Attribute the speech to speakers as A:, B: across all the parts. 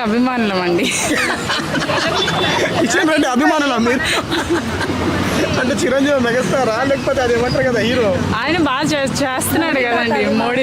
A: అభిమానులం అండి.
B: కిషన్ రెడ్డి అభిమానులా మీరు? అంటే చిరంజీవి మెగాస్టారా లేకపోతే అది ఏమంటారు కదా హీరో?
A: ఆయన బాగా చేస్తున్నాడు కదండి మోడీ.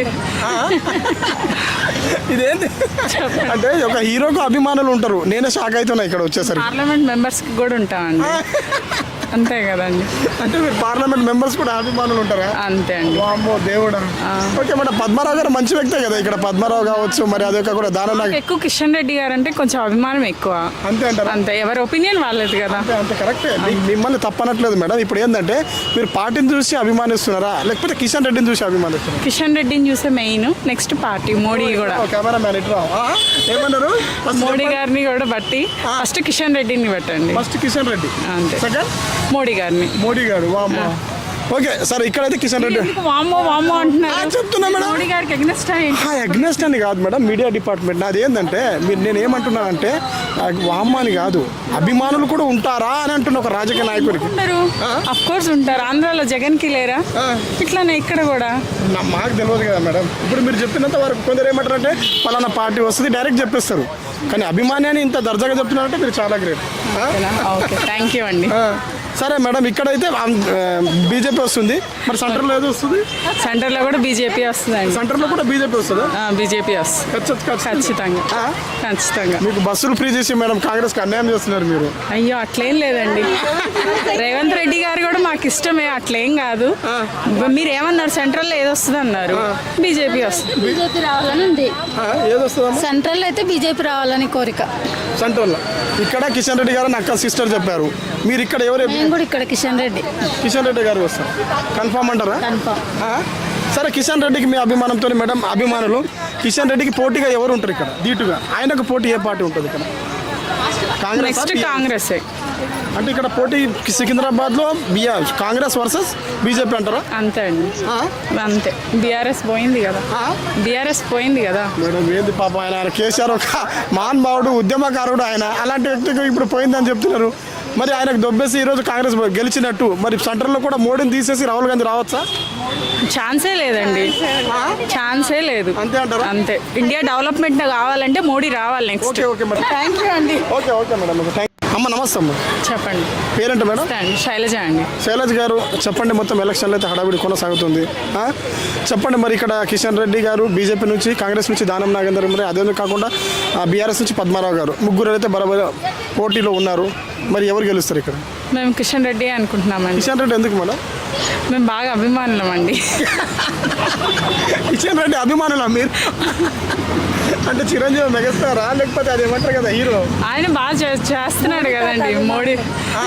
B: ఇదేంటి అంటే ఒక హీరోకు అభిమానులు ఉంటారు. నేనే షాక్ అవుతున్నా ఇక్కడ వచ్చేసరికి.
A: పార్లమెంట్ మెంబర్స్కి కూడా ఉంటామండి. అంతే కదండి.
B: అంటే మీరు పార్లమెంట్ మెంబర్స్ కూడా అభిమానులు ఉంటారా?
A: అంతే అండి.
B: వామ్మో దేవుడా. ఓకే మన పద్మారావు గారు మంచి వ్యక్తే కదా ఇక్కడ. పద్మారావు కావచ్చు, మరి అదే కూడా దాని
A: ఎక్కువ కిషన్ రెడ్డి గారు అంటే కొంచెం అభిమానం ఎక్కువ.
B: అంతే అంటారు.
A: అంతే, ఎవరి ఒపీనియన్ వాళ్ళది కదా.
B: అంతే కరెక్టే. మిమ్మల్ని తప్పనట్లేదు మేడం. ఇప్పుడు ఏంటంటే మీరు పార్టీని చూసి అభిమానిస్తున్నారా లేకపోతే కిషన్ రెడ్డిని చూసి అభిమానిస్తున్నారా?
A: కిషన్ రెడ్డిని చూసే మెయిన్, నెక్స్ట్ పార్టీ మోడీ కూడా.
B: కెమెరా మ్యాన్ ఇట్లా ఏమన్నారు?
A: మోడీ గారిని కూడా బట్టి ఫస్ట్ కిషన్ రెడ్డిని పెట్టండి.
B: ఫస్ట్ కిషన్ రెడ్డి,
A: అంతే.
B: సెకండ్
A: మోడీ గారిని.
B: మోడీ గారు. వామ్మో. ఓకే సార్, ఇక్కడైతే కిషన్ రెడ్డి
A: వామ్మో వామ్మో అంటున్నారు.
B: చెప్తున్నా మేడం.
A: మోడీ గారికి అగ్నెస్ట్
B: అగ్నెస్ట్ అని కాదు మేడం, మీడియా డిపార్ట్మెంట్. నాది ఏంటంటే మీరు నేను ఏమంటున్నానంటే వామ్మ అని కాదు, అభిమానులు కూడా ఉంటారా అని అంటున్న ఒక రాజకీయ నాయకుడికి.
A: ఉంటారు, అఫ్ కోర్స్ ఉంటారు. ఆంధ్రాలో జగన్ కి లేరా? ఇట్లానే ఇక్కడ కూడా.
B: మాకు తెలియదు కదా మేడం. ఇప్పుడు మీరు చెప్పినంత వరకు కొందరు ఏమంటారంటే పలానా పార్టీ వస్తుంది డైరెక్ట్ చెప్పేస్తారు. కానీ అభిమాని అని ఇంత దర్జాగా చెప్తున్నారంటే మీరు చాలా గ్రేట్.
A: ఓకే, థ్యాంక్ యూ అండి.
B: సరే మేడం, ఇక్కడైతే బీజేపీ వస్తుంది. మరి సెంటర్లో ఏదో వస్తుంది?
A: సెంటర్లో కూడా బీజేపీ వస్తుంది.
B: సెంటర్లో కూడా బీజేపీ వస్తుందా?
A: బీజేపీ వస్తుంది ఖచ్చితంగా. ఖచ్చితంగా.
B: మీకు బస్సులు ఫ్రీ చేసి మేడం కాంగ్రెస్కి అన్యాయం చేస్తున్నారు మీరు.
A: అయ్యో అట్లేం లేదండి. రేవంత్ రెడ్డి గారు కూడా మాకు ఇష్టమే, అట్లేం కాదు. మీరు ఏమన్నారు? సెంట్రల్లో ఏది వస్తుంది అన్నారు? బీజేపీ వస్తుంది.
C: బీజేపీ రావాలని ఉంది.
B: ఏది వస్తుంది?
C: సెంట్రల్ అయితే బీజేపీ రావాలని కోరిక.
B: సెంట్రల్ ఇక్కడ కిషన్ రెడ్డి గారు అక్క సిస్టర్ చెప్పారు. మీరు ఇక్కడ ఎవరు?
C: నేను కూడా ఇక్కడ కిషన్ రెడ్డి
B: గారు వస్తారు. కన్ఫామ్ అంటారా?
C: కన్ఫామ్.
B: సరే, కిషన్ రెడ్డికి మీ అభిమానంతో మేడం అభిమానులు కిషన్ రెడ్డికి పోటీగా ఎవరు ఉంటారు ఇక్కడ ధీటుగా? ఆయనకు పోటీ ఏ పార్టీ ఉంటుంది ఇక్కడ?
A: కాంగ్రెస్.
B: అంటే ఇక్కడ పోటీ సికింద్రాబాద్లో కాంగ్రెస్ వర్సెస్ బీజేపీ అంటారా?
A: అంతే అండి, అంతే. బీఆర్ఎస్ పోయింది కదా.
B: మేడం ఏంది పాప, ఆయన కేసీఆర్ ఒక మహానుభావుడు, ఉద్యమకారుడు. ఆయన అలాంటి వ్యక్తికి ఇప్పుడు పోయిందని చెప్తున్నారు. మరి ఆయనకు దొబ్బేసి ఈరోజు కాంగ్రెస్ గెలిచినట్టు మరి సెంటర్లో కూడా మోడీని తీసేసి రాహుల్ గాంధీ రావచ్చా?
A: ఛాన్సే లేదండి, ఛాన్సే లేదు.
B: అంతే అంటారా?
A: అంతే. ఇండియా డెవలప్మెంట్ కావాలంటే మోడీ రావాలి next.
B: Okay madam,
A: thank you అండి.
B: Okay madam, thank you. అమ్మ నమస్తే అమ్మ.
A: చెప్పండి.
B: పేరేంటి మేడం?
A: శైలజ అండి.
B: శైలజ గారు చెప్పండి, మొత్తం ఎలక్షన్లో అయితే హడావిడి కొనసాగుతుంది. చెప్పండి మరి ఇక్కడ కిషన్ రెడ్డి గారు బీజేపీ నుంచి, కాంగ్రెస్ నుంచి దానం నాగేందర్, మరి అదే కాకుండా బీఆర్ఎస్ నుంచి పద్మారావు గారు, ముగ్గురు అయితే బరాబర్ పోటీలో ఉన్నారు. మరి ఎవరు గెలుస్తారు ఇక్కడ?
A: మేము కిషన్ రెడ్డి అనుకుంటున్నామండి.
B: కిషన్ రెడ్డి ఎందుకు మేడం?
A: మేము బాగా అభిమానులం అండి.
B: కిషన్ రెడ్డి అభిమానులా మీరు? అంటే చిరంజీవి మెగాస్టారా లేకపోతే అది ఏమంటారు కదా హీరో?
A: ఆయన బాగా చేస్తున్నాడు కదండి మోడీ.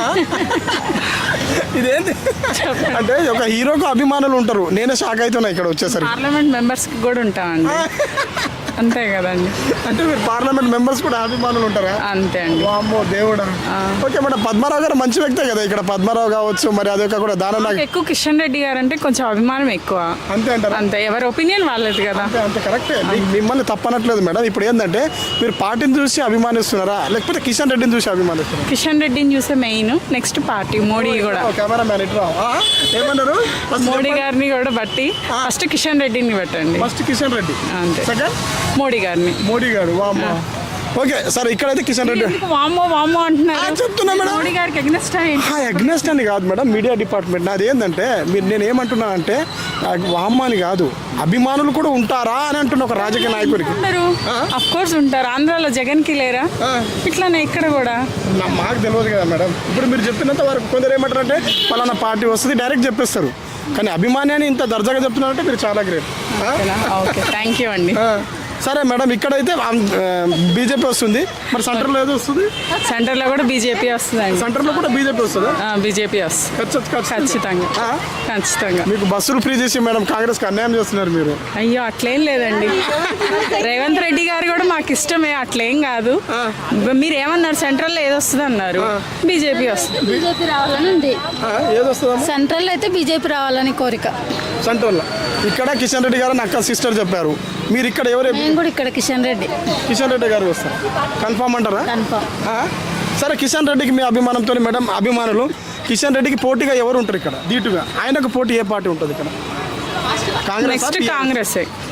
B: ఇదేంటి అంటే ఒక హీరోకు అభిమానులు ఉంటారు. నేనే షాక్ అవుతున్నా ఇక్కడ వచ్చేసరికి.
A: పార్లమెంట్ మెంబర్స్కి కూడా ఉంటామండి. అంతే కదండి.
B: అంటే మీరు పార్లమెంట్ మెంబర్స్ కూడా అభిమానులు ఉంటారా?
A: అంతే అండి.
B: వామ్మో దేవుడా. ఓకే మేడం, పద్మారావు గారు మంచి వ్యక్తే కదా ఇక్కడ. పద్మారావు కావచ్చు, మరి అదే కూడా దాని
A: ఎక్కువ కిషన్ రెడ్డి గారు అంటే కొంచెం అభిమానం ఎక్కువ.
B: అంతే అంటారు.
A: అంతే, ఎవరి ఒపీనియన్ వాళ్ళది కదా.
B: అంతే కరెక్టే. మిమ్మల్ని తప్పనట్లేదు మేడం. ఇప్పుడు ఏంటంటే మీరు పార్టీని చూసి అభిమానిస్తున్నారా లేకపోతే కిషన్ రెడ్డిని చూసి అభిమానిస్తున్నారా?
A: కిషన్ రెడ్డిని చూసే మెయిన్, నెక్స్ట్ పార్టీ మోడీ కూడా.
B: కెమెరా మ్యాన్ ఇట్లా ఏమన్నారు?
A: మోడీ గారిని కూడా బట్టి ఫస్ట్ కిషన్ రెడ్డిని పెట్టండి.
B: ఫస్ట్ కిషన్ రెడ్డి,
A: అంతే.
B: సెకండ్
A: మోడీ
B: గారు. వామ్మో. ఓకే సార్, ఇక్కడైతే కిషన్ రెడ్డి.
A: వామ్మో అంటున్నారు.
B: చెప్తున్నా మేడం.
A: మోడీ గారికి
B: అగ్నెస్ట్ అని కాదు మేడం, మీడియా డిపార్ట్మెంట్. నాది ఏంటంటే మీరు నేను ఏమంటున్నానంటే వామ్మ అని కాదు, అభిమానులు కూడా ఉంటారా అని అంటున్న ఒక రాజకీయ నాయకుడికి.
A: ఉంటారు, అఫ్ కోర్స్ ఉంటారు. ఆంధ్రాలో జగన్ కి లేరా? ఇట్లానే ఇక్కడ కూడా.
B: మాకు తెలియదు కదా మేడం. ఇప్పుడు మీరు చెప్పినంత వరకు కొందరు ఏమంటారంటే పలానా పార్టీ వస్తుంది డైరెక్ట్ చెప్పేస్తారు. కానీ అభిమాని అని ఇంత దర్జాగా చెప్తున్నారంటే మీరు చాలా గ్రేట్.
A: ఓకే, థ్యాంక్ యూ అండి.
B: సరే మేడం, ఇక్కడైతే బీజేపీ వస్తుంది. మరి సెంటర్లో ఏదో వస్తుంది?
A: సెంటర్లో కూడా బీజేపీ వస్తుంది.
B: సెంటర్లో కూడా బీజేపీ వస్తుందా?
A: బీజేపీ వస్తుంది ఖచ్చితంగా.
B: మీకు బస్సులు ఫ్రీ చేసి మేడం కాంగ్రెస్కి అన్యాయం చేస్తున్నారు మీరు.
A: అయ్యో అట్లేం లేదండి. రేవంత్ రెడ్డి గారు కూడా మాకు ఇష్టమే, అట్లేం కాదు. మీరు ఏమన్నారు? సెంట్రల్లో ఏది వస్తుంది అన్నారు? బీజేపీ వస్తుంది.
C: బీజేపీ రావాలని ఉంది.
B: ఏది వస్తుంది?
C: సెంట్రల్ అయితే బీజేపీ రావాలని కోరిక.
B: సెంట్రల్ ఇక్కడ కిషన్ రెడ్డి గారు అక్క సిస్టర్ చెప్పారు. మీరు ఇక్కడ ఎవరు?
C: నేను కూడా ఇక్కడ కిషన్ రెడ్డి
B: గారు వస్తారు. కన్ఫామ్ అంటారా?
C: కన్ఫామ్.
B: సరే, కిషన్ రెడ్డికి మీ అభిమానంతో మేడం అభిమానులు కిషన్ రెడ్డికి పోటీగా ఎవరు ఉంటారు ఇక్కడ ధీటుగా? ఆయనకు పోటీ ఏ పార్టీ ఉంటుంది ఇక్కడ?
A: కాంగ్రెస్.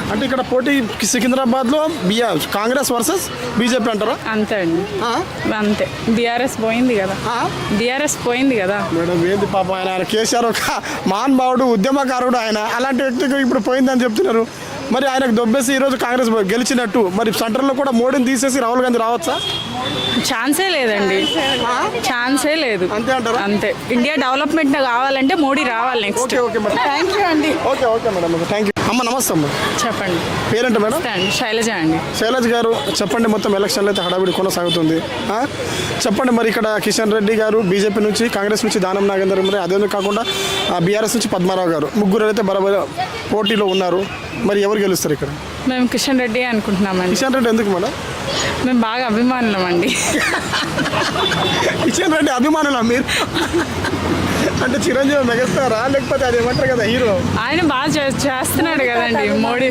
B: అంటే ఇక్కడ పోటీ సికింద్రాబాద్లో కాంగ్రెస్ వర్సెస్ బీజేపీ అంటారా?
A: అంతే అండి,
B: ఆ?
A: అంతే. బీఆర్ఎస్ పోయింది కదా,
B: ఆ?
A: బీఆర్ఎస్ పోయింది కదా.
B: మేడం ఏంది పాప ఆయన కేసీఆర్ ఒక మహానుభావుడు ఉద్యమకారుడు ఆయన, అలాంటి వ్యక్తికి ఇప్పుడు పోయిందని చెప్తున్నారు. మరి ఆయనకు దొబ్బేసి ఈరోజు కాంగ్రెస్ గెలిచినట్టు మరి సెంటర్లో కూడా మోడీని తీసేసి రాహుల్ గాంధీ రావచ్చా?
A: ఛాన్సే లేదండి, ఛాన్సే లేదు.
B: అంతే అంటారా?
A: అంతే. ఇండియా డెవలప్మెంట్ కావాలంటే మోడీ రావాలి next.
B: Okay okay madam,
A: thank you అండి.
B: Okay okay madam, thank you. అమ్మ నమస్తే అమ్మ,
A: చెప్పండి.
B: పేరేంట మేడం?
A: అండి, శైలజ అండి.
B: శైలజ్ గారు చెప్పండి, మొత్తం ఎలక్షన్లు అయితే హడావిడి కొనసాగుతుంది. చెప్పండి మరి ఇక్కడ కిషన్ రెడ్డి గారు బీజేపీ నుంచి, కాంగ్రెస్ నుంచి దానం నాగేందర్ మరి అదే కాకుండా బీఆర్ఎస్ నుంచి పద్మారావు గారు, ముగ్గురు అయితే బరాబర్ పోటీలో ఉన్నారు. మరి ఎవరు గెలుస్తారు ఇక్కడ?
A: మేము కిషన్ రెడ్డి అనుకుంటున్నామండి.
B: కిషన్ రెడ్డి ఎందుకు మేడం?
A: మేము బాగా అభిమానులం అండి.
B: కిషన్ రెడ్డి అభిమానులా మీరు? అంటే చిరంజీవి మెగాస్టారా లేకపోతే అది ఏమంటారు కదా హీరో?
A: ఆయన బాగా చేస్తున్నాడు కదండి మోడీ.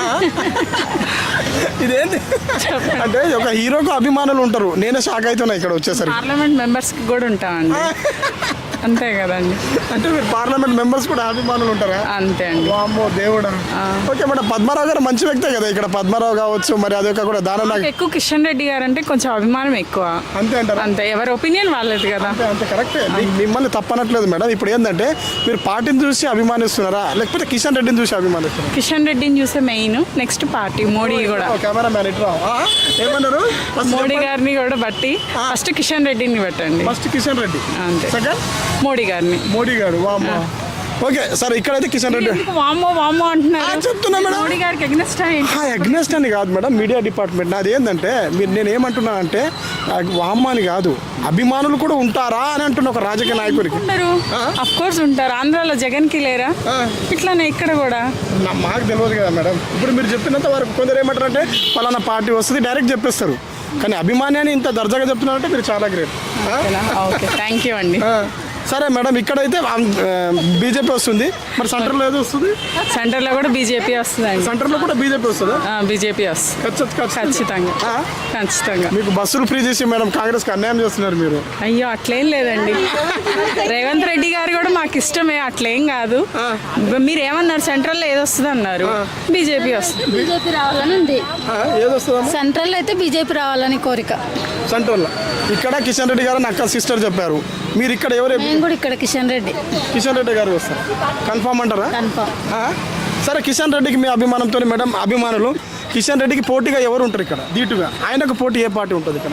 B: ఇదేంటి అంటే ఒక హీరోకు అభిమానులు ఉంటారు, నేనే షాక్ అవుతున్నా ఇక్కడ వచ్చేసరికి.
A: పార్లమెంట్ మెంబర్స్కి కూడా ఉంటామండి. అంతే కదండి.
B: అంటే మీరు పార్లమెంట్ మెంబర్స్ కూడా అభిమానులు ఉంటారా?
A: అంతే అండి.
B: వామ్మో దేవుడా. ఓకే మేడం, పద్మారావు గారు మంచి వ్యక్తే కదా ఇక్కడ, పద్మారావు కావచ్చు మరి అదొక కూడా దానం
A: నాకు ఎక్కువ కిషన్ రెడ్డి గారు అంటే కొంచెం అభిమానం ఎక్కువ.
B: అంతే అంటారా?
A: అంతే, ఎవరి ఒపీనియన్ వాళ్ళది కదా.
B: అంతే కరెక్టే, మిమ్మల్ని తప్పనట్లేదు మేడం. ఇప్పుడు ఏంటంటే మీరు పార్టీని చూసి అభిమానిస్తున్నారా లేకపోతే కిషన్ రెడ్డిని చూసి అభిమానిస్తున్నారా?
A: కిషన్ రెడ్డిని చూసే మెయిన్, నెక్స్ట్ పార్టీ మోడీ కూడా.
B: కెమెరా మ్యాన్ ఇట్లా ఏమన్నారు?
A: మోడీ గారిని కూడా బట్టి ఫస్ట్ కిషన్ రెడ్డిని పెట్టండి.
B: ఫస్ట్ కిషన్ రెడ్డి,
A: అంతే.
B: సెకండ్
A: మోడీ గారిని.
B: మోడీ గారు. వామ్మో. ఓకే సార్, ఇక్కడైతే కిషన్ రెడ్డి
A: ఎందుకు వామ్మో వామ్మో అంటున్నారు?
B: చెప్తున్నా మేడం.
A: మోడీ గారికి ఎగ్నెస్ట్
B: అగ్నెస్ట్ అని కాదు మేడం, మీడియా డిపార్ట్మెంట్ నాది ఏంటంటే మీరు నేను ఏమంటున్నానంటే వామ్మ అని కాదు, అభిమానులు కూడా ఉంటారా అని అంటున్న ఒక రాజకీయ నాయకుడికి.
A: ఉంటారు, అఫ్ కోర్స్ ఉంటారు. ఆంధ్రాలో జగన్ కి లేరా? ఇట్లానే ఇక్కడ కూడా.
B: మాకు తెలియదు కదా మేడం. ఇప్పుడు మీరు చెప్పినంత వరకు కొందరు ఏమంటారంటే పలానా పార్టీ వస్తుంది డైరెక్ట్ చెప్పేస్తారు, కానీ అభిమాని అని ఇంత దర్జాగా చెప్తున్నారంటే మీరు చాలా గ్రేట్.
A: ఓకే, థ్యాంక్ యూ అండి.
B: సరే మేడం, ఇక్కడైతే బీజేపీ వస్తుంది, మరి సెంటర్లో ఏదో వస్తుంది?
A: సెంటర్లో కూడా బీజేపీ వస్తుందండి.
B: సెంటర్లో కూడా బీజేపీ వస్తుందా?
A: బీజేపీ వస్తుంది ఖచ్చితంగా, ఖచ్చితంగా.
B: మీకు బస్సులు ఫ్రీ చేసి మేడం కాంగ్రెస్కి అన్యాయం చేస్తున్నారు మీరు.
A: అయ్యో అట్లేం లేదండి. రేవంత్ రెడ్డి గారు కూడా మాకు ఇష్టమే, అట్లేం కాదు. మీరు ఏమన్నారు? సెంట్రల్లో ఏది వస్తుంది అన్నారు? బీజేపీ వస్తుంది.
C: బీజేపీ రావాలని ఉంది.
B: ఏది వస్తుంది?
C: సెంట్రల్ అయితే బీజేపీ రావాలని కోరిక.
B: సెంట్రల్లో ఇక్కడ కిషన్ రెడ్డి గారు అక్క సిస్టర్ చెప్పారు, మీరు ఇక్కడ ఎవరు?
C: మేము కూడా ఇక్కడ కిషన్ రెడ్డి.
B: కిషన్ రెడ్డి గారు వస్తారు కన్ఫామ్ అంటారా?
C: కన్ఫామ్.
B: సరే, కిషన్ రెడ్డికి మీ అభిమానంతో మేడం అభిమానులు కిషన్ రెడ్డికి పోటీగా ఎవరు ఉంటారు ఇక్కడ ధీటుగా? ఆయనకు పోటీ ఏ పార్టీ ఉంటుంది ఇక్కడ?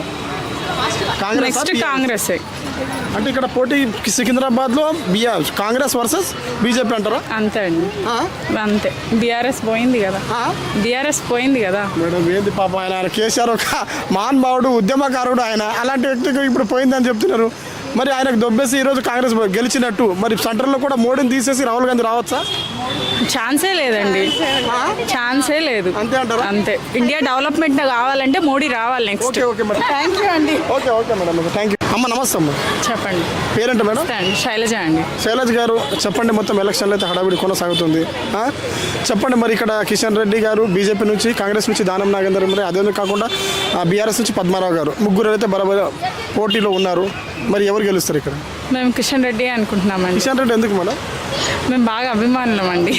A: నెక్స్ట్ కాంగ్రెస్.
B: అంటే ఇక్కడ పోటీ సికింద్రాబాద్లో కాంగ్రెస్ వర్సెస్ బీజేపీ అంటారా?
A: అంతే అండి, అంతే. బీఆర్ఎస్ పోయింది కదా, బీఆర్ఎస్ పోయింది కదా.
B: మేడం ఏంది పాప ఆయన కేసీఆర్ ఒక మహానుభావుడు ఉద్యమకారుడు ఆయన, అలాంటి వ్యక్తికి ఇప్పుడు పోయిందని చెప్తున్నారు. మరి ఆయనకు దొబ్బేసి ఈరోజు కాంగ్రెస్ గెలిచినట్టు మరి సెంటర్లో కూడా మోడీని తీసేసి రాహుల్ గాంధీ రావచ్చా?
A: ఛాన్సే లేదండి, ఛాన్సే లేదు.
B: అంతే అంటారా?
A: అంతే. ఇండియా డెవలప్మెంట్ కావాలంటే మోడీ రావాలి next.
B: Okay okay madam,
A: thank you అండి.
B: Okay okay madam, thank you. అమ్మ నమస్తే అమ్మ,
A: చెప్పండి.
B: పేరేంట మేడం?
A: శైలజ అండి.
B: శైలజ్ గారు చెప్పండి, మొత్తం ఎలక్షన్లు అయితే హడావిడి కొనసాగుతుంది. చెప్పండి మరి ఇక్కడ కిషన్ రెడ్డి గారు బీజేపీ నుంచి, కాంగ్రెస్ నుంచి దానం నాగేందర్ మరి అదే కాకుండా బీఆర్ఎస్ నుంచి పద్మారావు గారు, ముగ్గురు అయితే బరాబర్ పోటీలో ఉన్నారు. మరి ఎవరు గెలుస్తారు ఇక్కడ?
A: మేము కిషన్ రెడ్డి అనుకుంటున్నామండి.
B: కిషన్ రెడ్డి ఎందుకు మేడం?
A: మేము బాగా అభిమానులం అండి.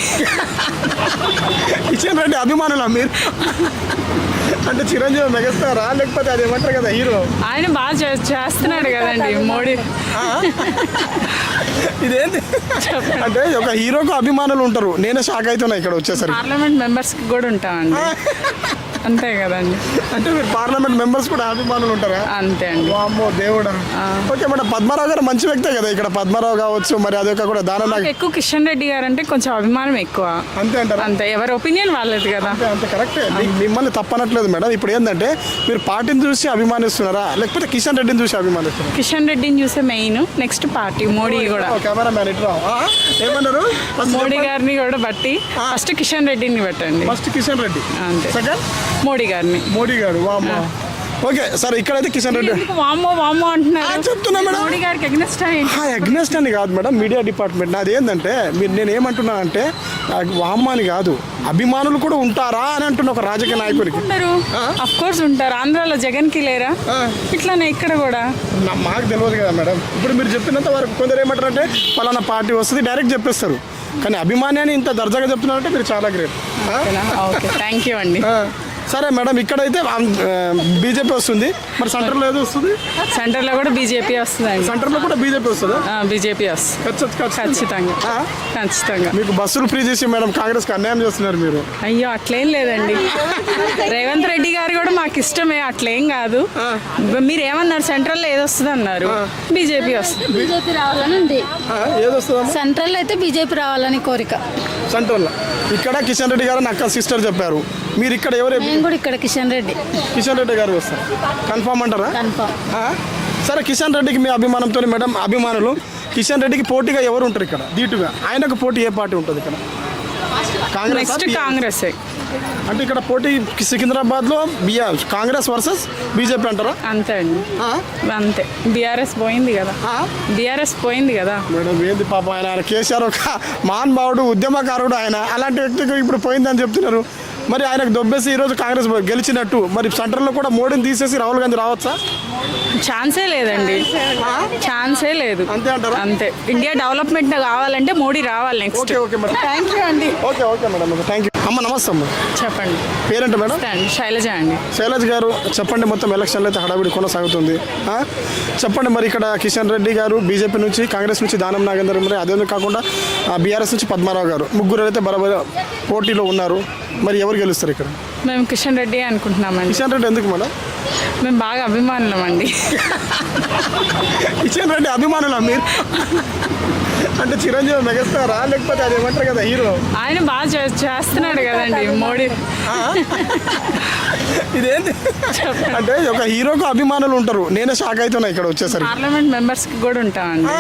B: కిషన్ రెడ్డి అభిమానులా మీరు? అంటే చిరంజీవి మెగాస్టారా లేకపోతే అది ఏమంటారు కదా హీరో?
A: ఆయన బాగా చేస్తున్నాడు కదండి మోడీ.
B: ఇదేంటి అంటే ఒక హీరోకు అభిమానులు ఉంటారు, నేనే షాక్ అవుతున్నా ఇక్కడ వచ్చేసరికి.
A: పార్లమెంట్ మెంబర్స్కి కూడా ఉంటామండి. అంతే కదండి.
B: అంటే మీరు పార్లమెంట్ మెంబర్స్ కూడా అభిమానులు ఉంటారా?
A: అంతే అండి.
B: వామ్మో దేవుడా. ఓకే మేడం, పద్మారావు గారు మంచి వ్యక్తే కదా ఇక్కడ, పద్మారావు కావచ్చు మరి అదొక కూడా దానం
A: ఎక్కువ కిషన్ రెడ్డి గారు అంటే కొంచెం అభిమానం ఎక్కువ.
B: అంతే అంటారా?
A: అంతే, ఎవరి ఒపీనియన్ వాళ్ళది కదా.
B: అంతే కరెక్టే, మిమ్మల్ని తప్పనట్లేదు మేడం. ఇప్పుడు ఏంటంటే మీరు పార్టీని చూసి అభిమానిస్తున్నారా లేకపోతే కిషన్ రెడ్డిని చూసి అభిమానిస్తున్నారా?
A: కిషన్ రెడ్డిని చూసే మెయిన్, నెక్స్ట్ పార్టీ మోడీ కూడా.
B: కెమెరా మ్యాన్ ఇట్లా ఏమన్నారు?
A: మోడీ గారిని కూడా బట్టి ఫస్ట్ కిషన్ రెడ్డిని పెట్టండి.
B: ఫస్ట్ కిషన్ రెడ్డి,
A: అంతే.
B: సెకండ్
A: మోడీ గారిని.
B: మోడీ గారు. వామ్మో. ఓకే సార్, ఇక్కడైతే కిషన్ రెడ్డి
A: వామ్మో వామ్మో అంటున్నారు.
B: చెప్తున్నా మేడం.
A: మోడీ గారికి ఎగ్నెస్ట్
B: అగ్నెస్ట్ అని కాదు మేడం, మీడియా డిపార్ట్మెంట్ నాది ఏంటంటే మీరు నేను ఏమంటున్నానంటే వామ్మ అని కాదు, అభిమానులు కూడా ఉంటారా అని అంటున్న ఒక రాజకీయ నాయకుడికి.
A: ఉంటారు, అఫ్ కోర్స్ ఉంటారు. ఆంధ్రాలో జగన్ కి లేరా? ఇట్లానే ఇక్కడ కూడా. మాకు
B: తెలియదు కదా మేడం. ఇప్పుడు మీరు చెప్పినంత వరకు కొందరు ఏమంటారంటే పలానా పార్టీ వస్తుంది డైరెక్ట్ చెప్పేస్తారు, కానీ అభిమాన్యాన్ని ఇంత దర్జాగా చెప్తున్నారంటే మీరు చాలా గ్రేట్.
A: ఓకే, థ్యాంక్ యూ అండి.
B: సరే మేడం, ఇక్కడైతే బీజేపీ వస్తుంది, మరి సెంటర్లో ఏదో వస్తుంది?
A: సెంటర్లో కూడా బీజేపీ వస్తుందండి.
B: సెంటర్లో కూడా బీజేపీ వస్తుందా?
A: బీజేపీ వస్తుంది ఖచ్చితంగా. ఖచ్చితంగా.
B: మీకు బస్సులు ఫ్రీ చేసి మేడం కాంగ్రెస్కి అన్యాయం చేస్తున్నారు మీరు.
A: అయ్యో, అట్లేం లేదండి. రేవంత్ రెడ్డి గారు కూడా మాకు ఇష్టమే, అట్లేం కాదు. మీరు ఏమన్నారు, సెంట్రల్లో ఏది వస్తుంది అన్నారు? బీజేపీ వస్తుంది.
C: బీజేపీ రావాలని ఉంది.
B: ఏది వస్తుందమ్మా?
C: సెంట్రల్ అయితే బీజేపీ రావాలని కోరిక.
B: సెంట్రల్లో ఇక్కడ కిషన్ రెడ్డి గారు అక్క సిస్టర్ చెప్పారు. మీరు ఇక్కడ ఎవరు?
C: నేను కూడా ఇక్కడ కిషన్ రెడ్డి.
B: కిషన్ రెడ్డి గారు వస్తారు కన్ఫామ్ అంటారా?
C: కన్ఫామ్.
B: సరే, కిషన్ రెడ్డికి మీ అభిమానంతో మేడం అభిమానులు కిషన్ రెడ్డికి పోటీగా ఎవరు ఉంటారు ఇక్కడ ధీటుగా? ఆయనకు పోటీ ఏ పార్టీ ఉంటుంది ఇక్కడ?
A: నెక్స్ట్ కాంగ్రెస్.
B: అంటే ఇక్కడ పోటీ సికింద్రాబాద్లో కాంగ్రెస్ వర్సెస్ బీజేపీ అంటారా?
A: అంతే అండి, అంతే. బీఆర్ఎస్ పోయింది కదా, బీఆర్ఎస్ పోయింది కదా
B: మేడం. ఏంది పాప, ఆయన కేసీఆర్ ఒక మహానుభావుడు, ఉద్యమకారుడు, ఆయన అలాంటి వ్యక్తికి ఇప్పుడు పోయిందని చెప్తున్నారు. మరి ఆయనకు దొబ్బేసి ఈరోజు కాంగ్రెస్ గెలిచినట్టు, మరి సెంటర్లో కూడా మోడీని తీసేసి రాహుల్ గాంధీ రావచ్చా?
A: ఛాన్సే లేదండి, ఛాన్సే లేదు.
B: అంతే అంటారా?
A: అంతే. ఇండియా డెవలప్మెంట్ కావాలంటే మోడీ రావాలి next.
B: Okay okay madam,
A: thank you అండి.
B: Okay okay madam, thank you. అమ్మ నమస్తే అమ్మ.
A: చెప్పండి.
B: పేరేంట మేడం?
A: శైలజ అండి.
B: శైలజ్ గారు చెప్పండి, మొత్తం ఎలక్షన్లో అయితే హడావిడి కొనసాగుతుంది. చెప్పండి, మరి ఇక్కడ కిషన్ రెడ్డి గారు బీజేపీ నుంచి, కాంగ్రెస్ నుంచి దానం నాగేందర్, మరి అదే కాకుండా బీఆర్ఎస్ నుంచి పద్మారావు గారు, ముగ్గురు అయితే బరాబర్ పోటీలో ఉన్నారు. మరి ఎవరు గెలుస్తారు ఇక్కడ?
A: మేము కిషన్ రెడ్డి అనుకుంటున్నామండి.
B: కిషన్ రెడ్డి ఎందుకు మేడం?
A: మేము బాగా అభిమానులం అండి.
B: కిషన్ రెడ్డి అభిమానులా మీరు? అంటే చిరంజీవి మెగాస్టారా, లేకపోతే అది ఏమంటారు కదా హీరో?
A: ఆయన బాగా చేస్తున్నాడు కదండి మోడీ.
B: ఇదేంటి అంటే ఒక హీరోకు అభిమానులు ఉంటారు. నేనే షాక్ అవుతున్నా ఇక్కడ వచ్చేసరికి.
A: పార్లమెంట్ మెంబర్స్కి కూడా ఉంటామండి.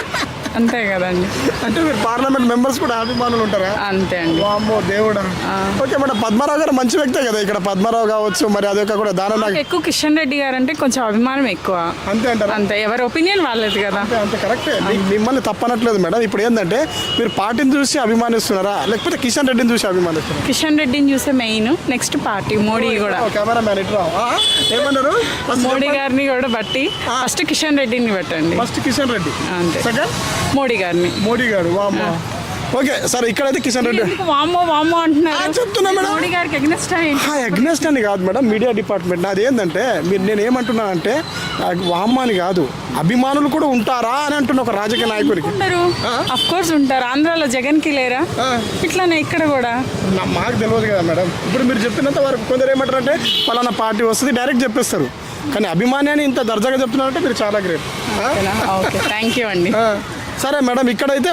A: అంతే కదండి.
B: అంటే మీరు పార్లమెంట్ మెంబర్స్ కూడా అభిమానులు ఉంటారా?
A: అంతే అండి.
B: వామ్మో దేవుడా. ఓకే మేడం, పద్మారావు గారు మంచి వ్యక్తే కదా ఇక్కడ. పద్మారావు కావచ్చు, మరి అదే కూడా దానం
A: ఎక్కువ కిషన్ రెడ్డి గారు అంటే కొంచెం అభిమానం ఎక్కువ.
B: అంతే అంటారు?
A: అంతే, ఎవరి ఒపీనియన్ వాళ్ళది కదా.
B: అంతే కరెక్టే. మిమ్మల్ని తప్పనట్లేదు మేడం. ఇప్పుడు ఏంటంటే మీరు పార్టీని చూసి అభిమానిస్తున్నారా, లేకపోతే కిషన్ రెడ్డిని చూసి అభిమానిస్తున్నారా?
A: కిషన్ రెడ్డిని చూసే మెయిన్, నెక్స్ట్ పార్టీ మోడీ కూడా.
B: కెమెరా మ్యాన్ ఇట్లా ఏమన్నారు?
A: మోడీ గారిని కూడా బట్టి ఫస్ట్ కిషన్ రెడ్డిని పెట్టండి.
B: ఫస్ట్ కిషన్ రెడ్డి,
A: అంతే.
B: సెకండ్
A: మోడీ గారిని.
B: మోడీ గారు. వామ్మో. ఓకే సరే, ఇక్కడైతే కిషన్ రెడ్డి.
A: వామ్మో వామ్మో అంటున్నారు.
B: చెప్తున్నా మేడం,
A: మోడీ గారికి అగ్నెస్ట్
B: అగ్నెస్ట్ అని కాదు మేడం, మీడియా డిపార్ట్మెంట్. నాది ఏంటంటే నేను ఏమంటున్నా అంటే వామ్మ అని కాదు, అభిమానులు కూడా ఉంటారా అని అంటున్నా ఒక రాజకీయ నాయకుడికి.
A: ఉంటారు, అఫ్ కోర్స్ ఉంటారు. ఆంధ్రాలో జగన్ కి లేరా? ఇట్లానే ఇక్కడ కూడా.
B: మాకు తెలియదు కదా మేడం. ఇప్పుడు మీరు చెప్పినంత వరకు కొందరు ఏమంటారు అంటే పలానా పార్టీ వస్తుంది డైరెక్ట్ చెప్పేస్తారు. కానీ అభిమాన్యాన్ని ఇంత దర్జాగా చెప్తున్నారంటే మీరు చాలా గ్రేట్.
A: ఓకే, థ్యాంక్ యూ అండి.
B: సరే మేడం, ఇక్కడైతే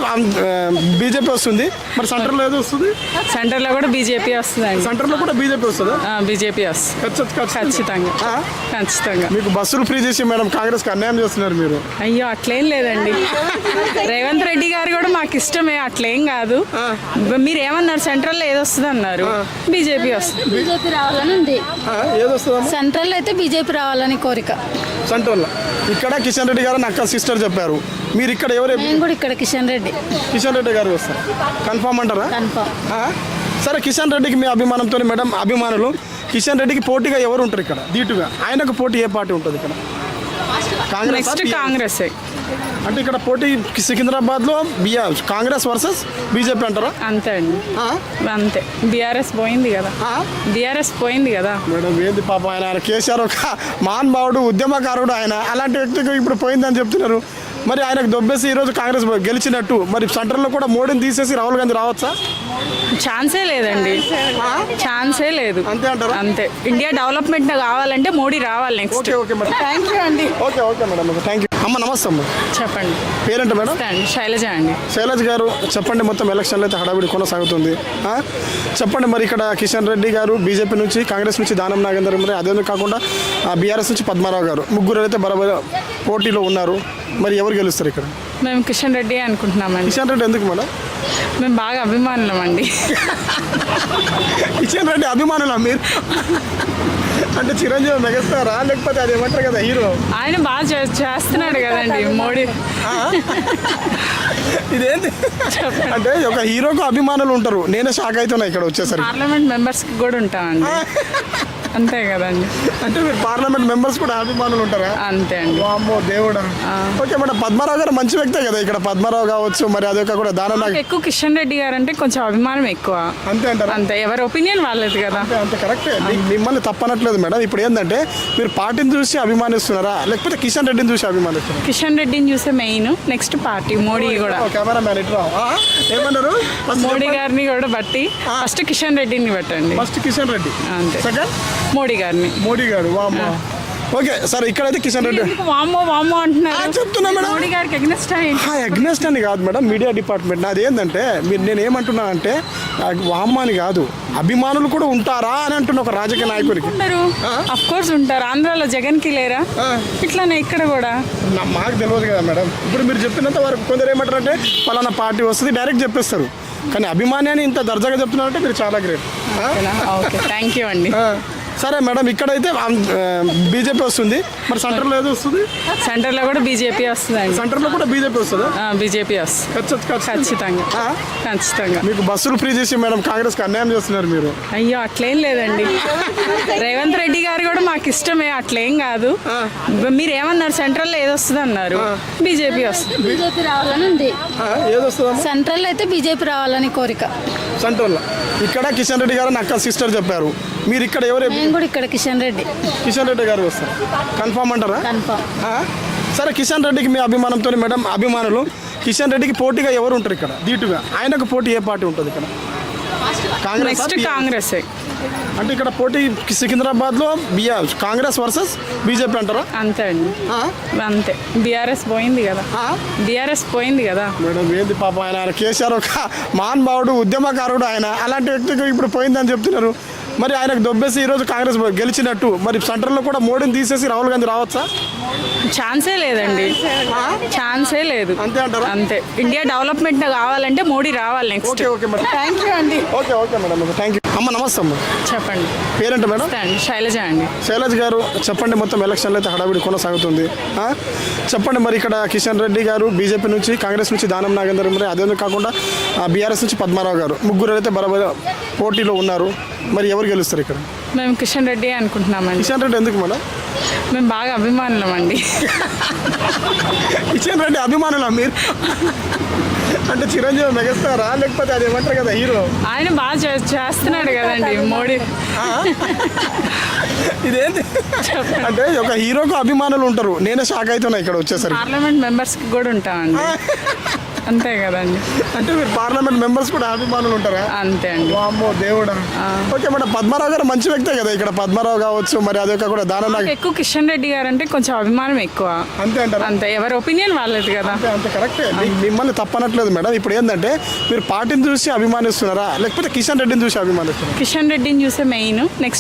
B: బీజేపీ వస్తుంది, మరి సెంటర్లో ఏదో వస్తుంది?
A: సెంటర్లో కూడా బీజేపీ వస్తుందండి.
B: సెంటర్లో కూడా బీజేపీ వస్తుందా?
A: బీజేపీ వస్తుంది ఖచ్చితంగా. ఖచ్చితంగా.
B: మీకు బస్సులు ఫ్రీ చేసి మేడం కాంగ్రెస్కి అన్యాయం చేస్తున్నారు మీరు.
A: అయ్యో, అట్లేం లేదండి. రేవంత్ రెడ్డి గారు కూడా మాకు ఇష్టమే, అట్లేం కాదు. మీరు ఏమన్నారు, సెంట్రల్లో ఏది వస్తుంది అన్నారు? బీజేపీ వస్తుంది.
C: బీజేపీ రావాలని ఉంది.
B: ఏది వస్తుందమ్మా?
C: సెంట్రల్ అయితే బీజేపీ రావాలని కోరిక.
B: సెంట్రల్లో ఇక్కడ కిషన్ రెడ్డి గారు అక్క సిస్టర్ చెప్పారు. మీరు ఇక్కడ ఎవరు?
C: నేను కూడా ఇక్కడ కిషన్ రెడ్డి.
B: కిషన్ రెడ్డి గారు వస్తారు కన్ఫామ్ అంటారా?
C: కన్ఫామ్.
B: సరే, కిషన్ రెడ్డికి మీ అభిమానంతో మేడం అభిమానులు కిషన్ రెడ్డికి పోటీగా ఎవరు ఉంటారు ఇక్కడ ధీటుగా? ఆయనకు పోటీ ఏ పార్టీ ఉంటుంది ఇక్కడ? కాంగ్రెస్.
A: నెక్స్ట్ కాంగ్రెస్.
B: అంటే ఇక్కడ పోటీ సికింద్రాబాద్లో కాంగ్రెస్ వర్సెస్ బీజేపీ అంటారా?
A: అంతే అండి, అంతే. బీఆర్ఎస్ పోయింది కదా, బీఆర్ఎస్ పోయింది కదా
B: మేడం. ఏంది పాప, ఆయన కేసీఆర్ ఒక మహానుభావుడు, ఉద్యమకారుడు, ఆయన అలాంటి వ్యక్తికి ఇప్పుడు పోయిందని చెప్తున్నారు. మరి ఆయనకు దొబ్బేసి ఈరోజు కాంగ్రెస్ గెలిచినట్టు, మరి సెంటర్లో కూడా మోడీని తీసేసి రాహుల్ గాంధీ రావచ్చా?
A: ఛాన్సే లేదండి, ఛాన్సే లేదు.
B: అంతే అంటారా?
A: అంతే. ఇండియా డెవలప్మెంట్ కావాలంటే మోడీ రావాలి next.
B: Okay okay madam,
A: thank you అండి.
B: Okay okay madam, thank you. అమ్మ నమస్తే అమ్మ.
A: చెప్పండి.
B: పేరేంట మేడం?
A: శైలజ అండి.
B: శైలజ్ గారు చెప్పండి, మొత్తం ఎలక్షన్లో అయితే హడావిడి కొనసాగుతుంది. చెప్పండి, మరి ఇక్కడ కిషన్ రెడ్డి గారు బీజేపీ నుంచి, కాంగ్రెస్ నుంచి దానం నాగేందర్, మరి అదే కాకుండా బీఆర్ఎస్ నుంచి పద్మారావు గారు, ముగ్గురు అయితే బరాబర్ పోటీలో ఉన్నారు. మరి ఎవరు గెలుస్తారు ఇక్కడ?
A: మేము కిషన్ రెడ్డి అనుకుంటున్నామండి.
B: కిషన్ రెడ్డి ఎందుకు మేడం?
A: మేము బాగా అభిమానులం అండి.
B: కిషన్ రెడ్డి అభిమానులా మీరు? అంటే చిరంజీవి మెగాస్టారా, లేకపోతే అది ఏమంటారు కదా హీరో?
A: ఆయన బాగా చేస్తున్నాడు కదండి మోడీ.
B: ఇదేంటి అంటే ఒక హీరోకు అభిమానులు ఉంటారు. నేనే షాక్ అవుతున్నా ఇక్కడ వచ్చేసరికి.
A: పార్లమెంట్ మెంబర్స్కి కూడా ఉంటామండి. అంతే కదండి.
B: అంటే మీరు పార్లమెంట్ మెంబర్స్ కూడా అభిమానులు ఉంటారా?
A: అంతే అండి.
B: వామ్మో దేవుడా. ఓకే మేడం, పద్మారావు గారు మంచి వ్యక్తే కదా. ఇక్కడ పద్మారావు కావచ్చు, మరి అదొక కూడా దానం
A: నాకు ఎక్కువ కిషన్ రెడ్డి గారు అంటే కొంచెం అభిమానం ఎక్కువ.
B: అంతే అంటారా?
A: అంతే, ఎవరి ఒపీనియన్ వాళ్ళది కదా.
B: అంతే కరెక్టే. మిమ్మల్ని తప్పనట్లేదు మేడం. ఇప్పుడు ఏంటంటే మీరు పార్టీని చూసి అభిమానిస్తున్నారా లేకపోతే కిషన్ రెడ్డిని చూసి అభిమానిస్తున్నారా?
A: కిషన్ రెడ్డిని చూసే మెయిన్, నెక్స్ట్ పార్టీ మోడీ కూడా.
B: కెమెరా మ్యాన్ ఇట్రా. ఏమన్నారు?
A: మోడీ గారిని కూడా బట్టి ఫస్ట్ కిషన్ రెడ్డిని బట్టండి.
B: ఫస్ట్ కిషన్ రెడ్డి,
A: అంతే.
B: సెకండ్
A: మోడీ గారిని.
B: మోడీ గారు. వామ్మో. ఓకే సరే, ఇక్కడైతే కిషన్ రెడ్డి.
A: ఎందుకు వామ్మో వామ్మో అంటున్నారు?
B: చెప్తున్నా మేడం.
A: మోడీ గారికి ఎగ్నెస్ట్
B: అగ్నెస్ట్ అని కాదు మేడం, మీడియా డిపార్ట్మెంట్. నాది ఏంటంటే నేను ఏమంటున్నా అంటే వామ్మ అని కాదు, అభిమానులు కూడా ఉంటారా అని అంటున్నా ఒక రాజకీయ నాయకుడికి.
A: ఉంటారు, అఫ్ కోర్స్ ఉంటారు. ఆంధ్రాలో జగన్ కి లేరా? ఇట్లానే ఇక్కడ కూడా.
B: మాకు తెలియదు కదా మేడం. ఇప్పుడు మీరు చెప్పినంత వరకు కొందరు ఏమంటారంటే పలానా పార్టీ వస్తుంది డైరెక్ట్ చెప్పేస్తారు. కానీ అభిమాని అని ఇంత దర్జాగా చెప్తున్నారంటే మీరు చాలా గ్రేట్.
A: ఓకే, థ్యాంక్ యూ అండి.
B: సరే మేడం, ఇక్కడైతే బీజేపీ వస్తుంది, మరి సెంటర్లో ఏదో వస్తుంది?
A: సెంటర్ లో కూడా బీజేపీ వస్తుందండి.
B: సెంటర్లో కూడా బీజేపీ వస్తుందా?
A: బీజేపీ వస్తుంది ఖచ్చితంగా. ఖచ్చితంగా.
B: మీకు బస్సులు ఫ్రీ చేసి మేడం కాంగ్రెస్కి అన్యాయం చేస్తున్నారు మీరు.
A: అయ్యో అట్లేం లేదండి. రేవంత్ రెడ్డి గారు కూడా మాకు ఇష్టమే, అట్లేం కాదు. మీరు ఏమన్నారు? సెంట్రల్ లో ఏదొస్తుంది అన్నారు? బీజేపీ వస్తుంది.
C: బీజేపీ రావాలని ఉంది.
B: ఏది వస్తుందా?
C: సెంట్రల్ అయితే బీజేపీ రావాలని కోరిక.
B: సెంట్రల్లో ఇక్కడ కిషన్ రెడ్డి గారు అక్క సిస్టర్ చెప్పారు. మీరు ఇక్కడ ఎవరు?
C: మేము కూడా ఇక్కడ కిషన్ రెడ్డి.
B: కిషన్ రెడ్డి గారు వస్తారు కన్ఫామ్ అంటారా?
C: కన్ఫామ్.
B: సరే, కిషన్ రెడ్డికి మీ అభిమానంతో మేడం అభిమానులు కిషన్ రెడ్డికి పోటీగా ఎవరు ఉంటారు ఇక్కడ ధీటుగా? ఆయనకు పోటీ ఏ పార్టీ ఉంటుంది ఇక్కడ? కాంగ్రెస్.
A: నెక్స్ట్ కాంగ్రెస్.
B: అంటే ఇక్కడ పోటీ సికింద్రాబాద్లో కాంగ్రెస్ వర్సెస్ బీజేపీ అంటారా?
A: అంతే అండి, అంతే. బీఆర్ఎస్ పోయింది కదా. బీఆర్ఎస్ పోయింది కదా
B: మేడం. ఏంది పాప, ఆయన కేసీఆర్ ఒక మహానుభావుడు, ఉద్యమకారుడు. ఆయన అలాంటి వ్యక్తికి ఇప్పుడు పోయిందని చెప్తున్నారు. మరి ఆయనకు దొబ్బేసి ఈరోజు కాంగ్రెస్ గెలిచినట్టు, మరి సెంటర్లో కూడా మోడీని తీసేసి రాహుల్ గాంధీ రావచ్చా?
A: ఛాన్సే లేదండి, ఛాన్సే లేదు.
B: అంతే అంటారా?
A: అంతే. ఇండియా డెవలప్మెంట్ కావాలంటే మోడీ రావాలి next.
B: Okay okay madam,
A: thank you అండి.
B: Okay madam, thank you. అమ్మ నమస్తే అమ్మ.
A: చెప్పండి.
B: పేరేంట మేడం?
A: శైలజ అండి.
B: శైలజ్ గారు చెప్పండి, మొత్తం ఎలక్షన్లు అయితే హడావిడి కొనసాగుతుంది. చెప్పండి, మరి ఇక్కడ కిషన్ రెడ్డి గారు బీజేపీ నుంచి, కాంగ్రెస్ నుంచి దానం నాగేందర్, మరి అదే కాకుండా బీఆర్ఎస్ నుంచి పద్మారావు గారు, ముగ్గురు అయితే బరాబర్ పోటీలో ఉన్నారు. మరి ఎవరు గెలుస్తారు ఇక్కడ?
A: మేము కిషన్ రెడ్డి అనుకుంటున్నామండి.
B: కిషన్ రెడ్డి ఎందుకు మేడం?
A: మేము బాగా అభిమానులం అండి.
B: కిషన్ రెడ్డి అభిమానులా మీరు? అంటే చిరంజీవి మెగాస్టారా లేకపోతే అది ఏమంటారు కదా హీరో?
A: ఆయన బాగా చేస్తున్నాడు కదండి మోడీ.
B: ఇదేంటి అంటే ఒక హీరోకు అభిమానులు ఉంటారు. నేనే షాక్ అవుతున్నా ఇక్కడ వచ్చేసరికి.
A: పార్లమెంట్ మెంబర్స్ కి కూడా ఉంటామండి. అంతే కదండి.
B: అంటే మీరు పార్లమెంట్ మెంబర్స్ కూడా అభిమానులు ఉంటారా?
A: అంతే అండి.
B: వామ్మో దేవుడా. ఓకే మేడం, పద్మారావు గారు మంచి వ్యక్తే కదా. ఇక్కడ పద్మారావు కావచ్చు, మరి అదొక కూడా దానం.
A: ఎక్కువ కిషన్ రెడ్డి గారు అంటే కొంచెం అభిమానం ఎక్కువ.
B: అంతే అంటారా?
A: అంతే, ఎవరి ఒపీనియన్ వాళ్ళది కదా.
B: అంతే కరెక్టే. మిమ్మల్ని తప్పనట్లేదు మేడం. ఇప్పుడు ఏంటంటే మీరు పార్టీని చూసి అభిమానిస్తున్నారా లేకపోతే కిషన్ రెడ్డిని చూసి అభిమానిస్తున్నారా?
A: కిషన్ రెడ్డిని చూసే మెయిన్, నెక్స్ట్